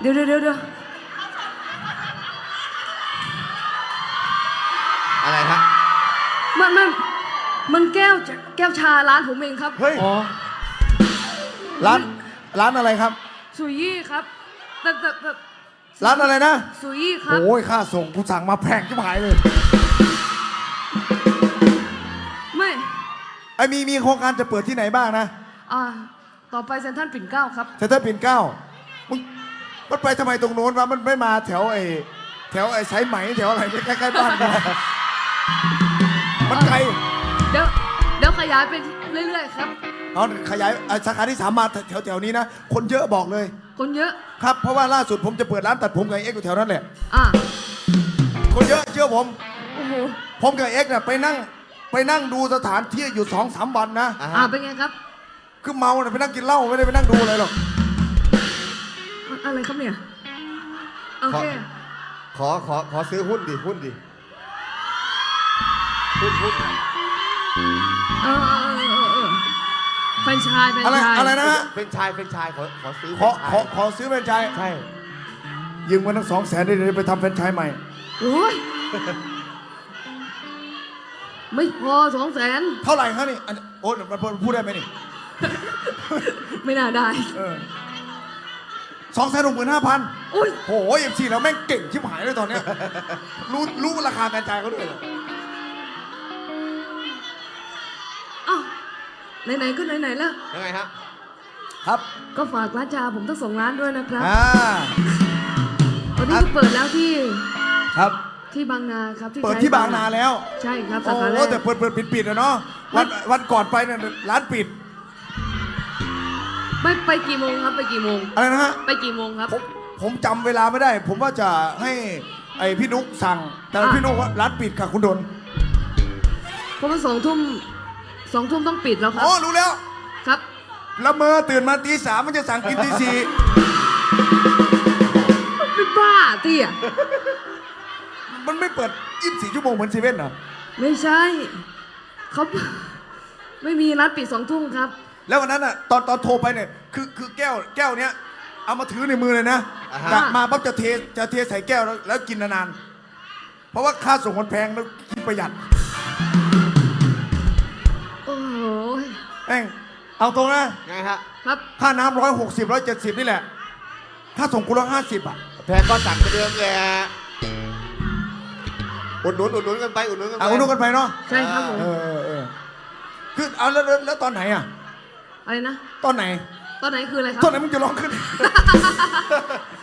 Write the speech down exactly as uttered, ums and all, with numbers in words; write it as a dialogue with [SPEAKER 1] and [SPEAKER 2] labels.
[SPEAKER 1] ดี๋ยวเดี๋ยวเดี๋ยว
[SPEAKER 2] อะไรฮะ
[SPEAKER 1] มันมันมันแก้วแก้วชาร้านผมเองครับ
[SPEAKER 3] เฮ้ย
[SPEAKER 2] อ๋อ
[SPEAKER 3] ร้านร้านอะไรครับ
[SPEAKER 1] สุยี่ครับแต่แต่แต่
[SPEAKER 3] ร้านอะไรนะ
[SPEAKER 1] สุยี่ครับ
[SPEAKER 3] โอ้ยค่าส่งกูสั่งมาแพงชิบหายเลย
[SPEAKER 1] ไม่
[SPEAKER 3] ไอ้มีมีโครงการจะเปิดที่ไหนบ้างนะ
[SPEAKER 1] อ่าต่อไปเซ็นทรัลปิ่นเกล้าครับ
[SPEAKER 3] เซ็นทรัลปิ่นเกล้ามึงมันไปทำไมตรงโน้นวะมันไม่มาแถวไอ้แถวไอ้สายไหมแถวอะไรใกล้ๆบ้านกูมันไกล
[SPEAKER 1] เดี๋ยวเดี๋ยวขยายไปเรื่อยๆครับ
[SPEAKER 3] เอาขยายไอ้สาขาที่สามมาแถวแถวๆนี้นะคนเยอะบอกเลย
[SPEAKER 1] คนเยอะ
[SPEAKER 3] ครับเพราะว่าล่าสุดผมจะเปิดร้านตัดผมกับเอ็กซ์อยู่แถวนั้นแหละ
[SPEAKER 1] อ่า
[SPEAKER 3] คนเยอะเชื่อผม
[SPEAKER 1] โอ้โห
[SPEAKER 3] ผมกับเอ็กซ์เนี่ยไปนั่งไปนั่งดูสถานที่อยู่สองสามวันนะ
[SPEAKER 2] อ่า
[SPEAKER 1] อ่า
[SPEAKER 2] ฮะ
[SPEAKER 1] เป็นไงครับ
[SPEAKER 3] คือเมาเนี่ยไปนั่งกินเหล้าไม่ได้ไปนั่งดูอะไรหรอก
[SPEAKER 1] อะอะไรครับเนี่ยโอเค
[SPEAKER 2] ขอขอขอซื้อหุ้นดิหุ้นดิหุ้นหุ้น
[SPEAKER 1] เออเออเออเออแฟรนไชายแฟรน
[SPEAKER 3] อะไร
[SPEAKER 1] ไชาย
[SPEAKER 3] อะไรนะฮะ
[SPEAKER 2] เป็นชายเป็นชายขอขอซื้อ
[SPEAKER 3] ขอ
[SPEAKER 2] เป็น
[SPEAKER 3] ข
[SPEAKER 2] ชา
[SPEAKER 3] อย ขอซื้อแฟรนไชส์
[SPEAKER 2] ใช่
[SPEAKER 3] ยืมเงินทั้งสองแสนได้เลยไปทำแฟรนไชส์ใหม่
[SPEAKER 1] โอ้ยไม่พอสองแสน
[SPEAKER 3] เท่าไหร่ครับนี่อันโอ้ยมันพูดได้ไหมนี่
[SPEAKER 1] ไม่น่าได้
[SPEAKER 3] สองแสนหกหมื่นห้าพัน
[SPEAKER 1] อุ้ย
[SPEAKER 3] โอ้โหเอ็มซีเราแม่งเก่งชิบหายเลยตอนเนี้ยรู้รู้ราคาแฟรนไชส์เขาด้วยเหรอ
[SPEAKER 1] อ้าวไหนๆก็ไหนๆแล้ว
[SPEAKER 2] ยังไงฮะ
[SPEAKER 3] ครับ
[SPEAKER 1] ก็ฝากร้านชาผมทั้งสองร้านด้วยนะครับ
[SPEAKER 3] อ่า
[SPEAKER 1] วันนี้ก็เปิดแล้วที่
[SPEAKER 3] ครับ
[SPEAKER 1] ที่บางนาครับ
[SPEAKER 3] เปิดที่บางนาแล้ว
[SPEAKER 1] ใช่ครับ
[SPEAKER 3] โอ้
[SPEAKER 1] สาขาแร
[SPEAKER 3] โห
[SPEAKER 1] ก
[SPEAKER 3] แต่เปิดเปิดปิดปิดอะเนาะวันวันก่อนไปเนี่ยร้านปิด
[SPEAKER 1] ไม่ไปกี่โมงครับไปกี่โมง
[SPEAKER 3] อะไรนะฮะ
[SPEAKER 1] ไปกี่โมงครับ
[SPEAKER 3] ผมผมจำเวลาไม่ได้ ผมว่าจะให้ไอพี่นุ๊กสั่ง แต่
[SPEAKER 1] อ่ะ
[SPEAKER 3] พี่นุ๊กว่าร้านปิดค่ะคุณดน
[SPEAKER 1] เพราะว่าสองทุ่มสองทุ่มต้องปิดแล้วครั
[SPEAKER 3] อ๋อรู้แล้ว
[SPEAKER 1] ครับ
[SPEAKER 3] ละเมอตื่นมาตีสามมันจะสั่งกินตีสี่
[SPEAKER 1] ไม่บ้าเตี้ย
[SPEAKER 3] มันไม่เปิดยี่สิบสี่ชั่วโมงเหมือนเซเว่นเหรอ
[SPEAKER 1] ไม่ใช่เขาไม่มีร้านปิดสองทุ่มครับ
[SPEAKER 3] แล้ววันนั้นอ่ะตอนตอนโทรไปเนี่ยคือคือแก้วแก้วเนี้ยเอามาถือในมือเลยนะ
[SPEAKER 2] อ่าฮะ
[SPEAKER 3] กลับมาปั๊บจะเทจะเทใส่แก้วแล้วแล้วกินนานๆเพราะว่าค่าส่งมันแพงแล้วกินประหยัด
[SPEAKER 1] โอ้โห
[SPEAKER 3] แม่งเอาตรงนะ
[SPEAKER 2] ไงฮะ
[SPEAKER 1] ครับ
[SPEAKER 3] ค่าน้ำร้อยหกสิบร้อยเจ็ดสิบนี่แหละค่าส่งกูร้อยห้าสิบอ่ะ
[SPEAKER 2] แพงก็สั่งไปเดิมแหละอุดหนุนอุดหนุนกันไปอุดหนุนกันไป
[SPEAKER 3] เอาดูกันไปเนาะ
[SPEAKER 1] ใช่ครับผม
[SPEAKER 3] เออเออเออคือเอาแล้วแล้วแล้วตอนไหนอ่ะ
[SPEAKER 1] อะไรนะ
[SPEAKER 3] ตอนไหน
[SPEAKER 1] ตอนไหนคืออะไรครับ
[SPEAKER 3] ตอนไหนมึงจะร้องขึ้น